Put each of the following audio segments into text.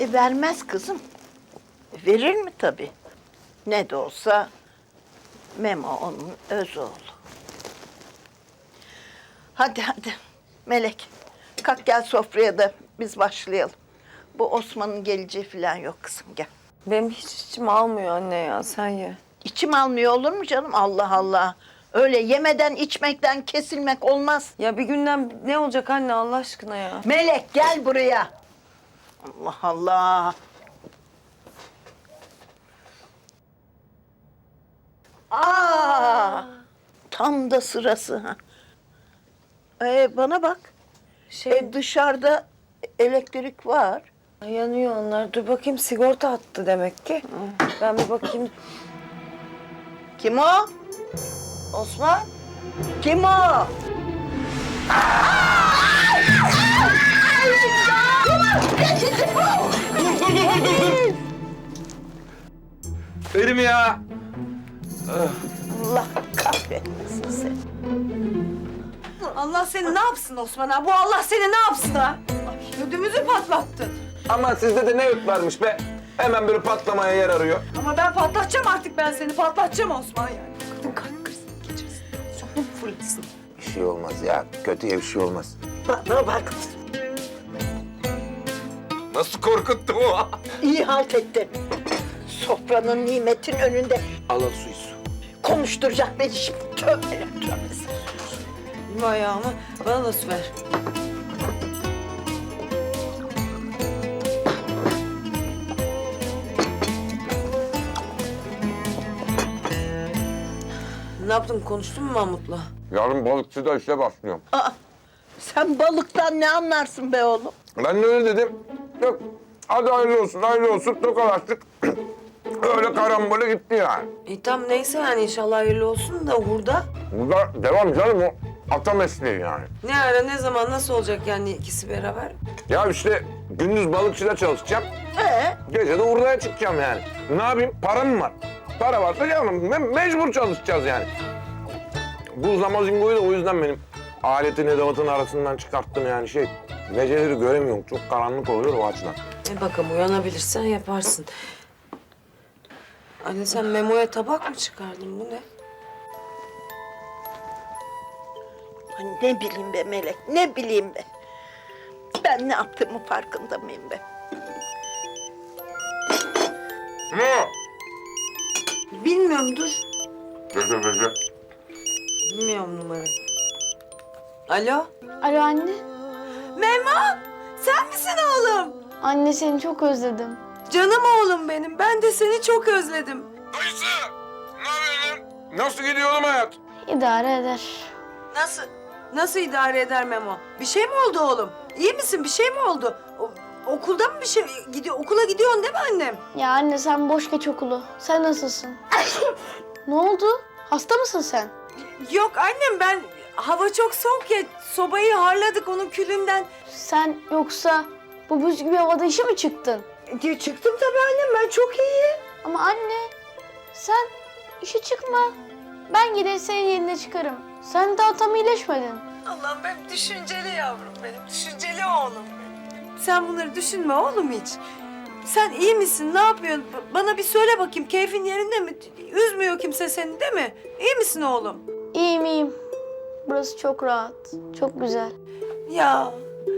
Vermez kızım. Verir mi tabii? Ne de olsa Memo onun öz oğlu. Hadi hadi Melek. Kalk gel sofraya da biz başlayalım. Bu Osman'ın geleceği falan yok kızım, gel. Benim hiç içim almıyor anne ya, sen ye. İçim almıyor olur mu canım? Allah Allah. Öyle yemeden içmekten kesilmek olmaz. Ya bir günden ne olacak anne Allah aşkına ya? Melek gel buraya. Allah Allah. Tam da sırası ha. Bana bak. Dışarıda elektrik var. Yanıyor onlar. Dur bakayım, sigorta attı demek ki. Ben bir bakayım. Kim o? Osman? Kim o? Dur. Erim ya. Allah kahretmesin seni. Allah seni ne yapsın Osman ha? Bu Allah seni ne yapsın ha? Ödümüzü patlattın. Ama sizde de ne öt varmış be? Hemen böyle patlamaya yer arıyor. Ama ben patlatacağım artık, ben seni patlatacağım Osman yani. Kadın kalp krizi geçirsin. Sonum fırlasın. Bir şey olmaz ya. Kötüye bir şey olmaz. Bana bak. Nasıl korkuttu o? İyi halt ettin. Sofranın nimetin önünde Al su. konuşturacak beni şimdi. Tövbe tövbe. Vay ayağımı bana da su ver. Ne yaptın, konuştun mu Mahmut'la? Yarın balıkçıda işe başlıyorum. Sen balıktan ne anlarsın be oğlum? Ben de öyle dedim. Yok. Hadi hayırlı olsun. Tokalaştık. Öyle karambole gitti yani. Tamam neyse yani, inşallah hayırlı olsun da hurda. Burada devam canım o. Ata mesleği yani. Ne ara, ne zaman, nasıl olacak yani ikisi beraber? Ya işte gündüz balıkçıda çalışacağım. Gece de hurdaya çıkacağım yani. Ne yapayım? Param mı var? Para varsa canım mecbur çalışacağız yani. Bu zamazingoyu da o yüzden benim aletin edevatın arasından çıkarttım yani geceleri göremiyorum. Çok karanlık oluyor o açıdan. Bakalım uyanabilirsen yaparsın. Anne sen Memo'ya tabak mı çıkardın, bu ne? Ne bileyim be Melek, ne bileyim be. Ben ne yaptığımın farkında mıyım be? Ne? Bilmiyorum, dur. Gece. Bilmiyorum numarayı. Alo? Alo anne. Memo! Sen misin oğlum? Anne seni çok özledim. Canım oğlum benim. Ben de seni çok özledim. Ayşe! Ne yapıyorsun? Nasıl gidiyor oğlum hayat? İdare eder. Nasıl? Nasıl idare eder Memo? Bir şey mi oldu oğlum? İyi misin? Bir şey mi oldu? Okulda mı bir şey gidiyor? Okula gidiyorsun değil mi annem? Ya anne sen boş geç okulu. Sen nasılsın? Ne oldu? Hasta mısın sen? Yok annem, ben hava çok soğuk ya, sobayı harladık onun külünden. Sen yoksa bu buz gibi havada işe mi çıktın? Çıktım tabii annem, ben çok iyiyim. Ama anne sen işe çıkma. Ben gider senin yerine çıkarım. Sen daha tam iyileşmedin. Allah'ım benim düşünceli yavrum benim, düşünceli oğlum benim. Sen bunları düşünme oğlum hiç. Sen iyi misin, ne yapıyorsun? Bana bir söyle bakayım, keyfin yerinde mi? Üzmüyor kimse seni değil mi? İyi misin oğlum? İyiyim iyiyim. Burası çok rahat. Çok güzel. Ya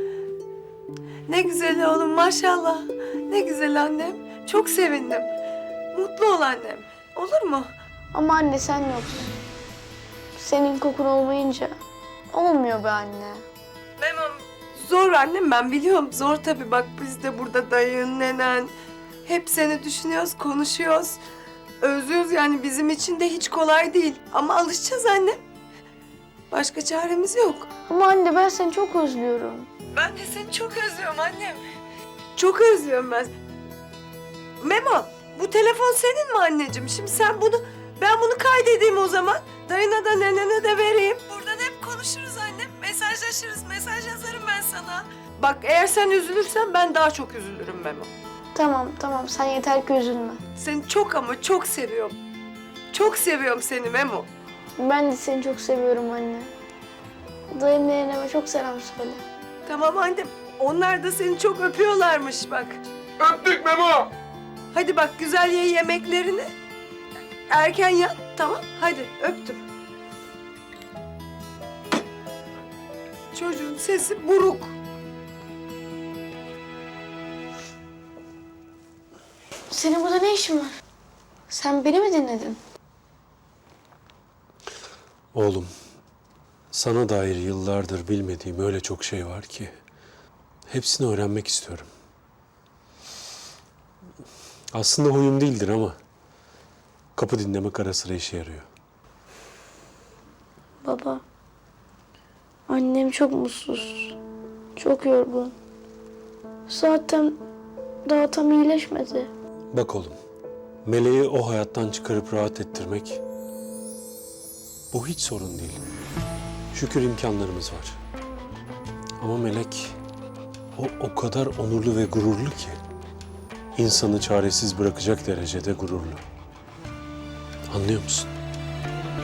ne güzel oğlum, maşallah. Ne güzel annem. Çok sevindim. Mutlu ol annem. Olur mu? Ama anne sen yoksun. Senin kokun olmayınca olmuyor be anne. Memem zor annem, ben biliyorum. Zor tabii, bak biz de burada dayın, nenen. Hep seni düşünüyoruz, konuşuyoruz. Özlüyoruz yani, bizim için de hiç kolay değil. Ama alışacağız annem. Başka çaremiz yok. Ama anne ben seni çok özlüyorum. Ben de seni çok özlüyorum annem. Çok özlüyorum ben. Memo, bu telefon senin mi anneciğim? Şimdi ben bunu kaydedeyim o zaman. Dayına da nenene de vereyim. Buradan hep konuşuruz annem. Mesajlaşırız, mesaj yazarım ben sana. Bak eğer sen üzülürsen ben daha çok üzülürüm Memo. Tamam sen yeter ki üzülme. Seni çok ama çok seviyorum. Çok seviyorum seni Memo. Ben de seni çok seviyorum anne. Dayım neneme çok selam söyle. Tamam annem. Onlar da seni çok öpüyorlarmış bak. Öptük Memo. Hadi bak güzel ye yemeklerini. Erken yat, tamam? Hadi öptüm. Çocuğun sesi buruk. Senin burada ne işin var? Sen beni mi dinledin? Oğlum, sana dair yıllardır bilmediğim öyle çok şey var ki hepsini öğrenmek istiyorum. Aslında huyum değildir ama kapı dinlemek ara sıra işe yarıyor. Baba, annem çok mutsuz, çok yorgun. Zaten daha tam iyileşmedi. Bak oğlum, Meleği o hayattan çıkarıp rahat ettirmek bu hiç sorun değil. Şükür imkanlarımız var. Ama Melek o kadar onurlu ve gururlu ki insanı çaresiz bırakacak derecede gururlu. Anlıyor musun?